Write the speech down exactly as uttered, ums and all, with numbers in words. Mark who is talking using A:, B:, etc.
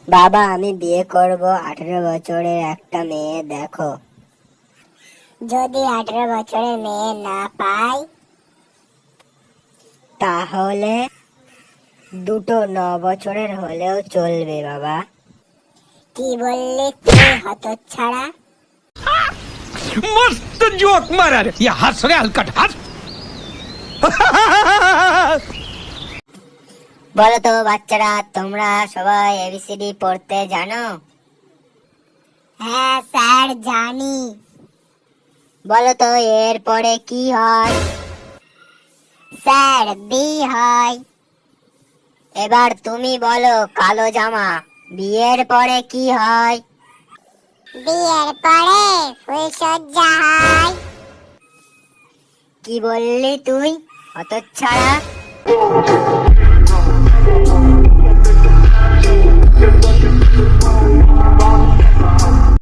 A: বাবা, আমি বিয়ে করব আঠারো বছরের একটা মেয়ে দেখো।
B: যদি আঠারো বছরের মেয়ে না পাই?
A: তাহলে দুটো ন বছরের হলেও চলবে বাবা।
B: কি বললি তুই হতচ্ছাড়া?
C: मस्त जोक मारा रे ये हंस रे हलकट हंस
A: বলো তো বাচ্চারা, তোমরা সবাই এবিসিডি পড়তে জানো?
B: হ্যাঁ স্যার, জানি।
A: বলো তো এর পরে কি হয়?
B: স্যার, বি হয়।
A: এবার তুমি বলো কালো জামা, বিয়ের পরে কি হয়?
B: বিয়ের পরে ফুলসজ্জা হয়।
A: কি বললি তুই হতচ্ছাড়া?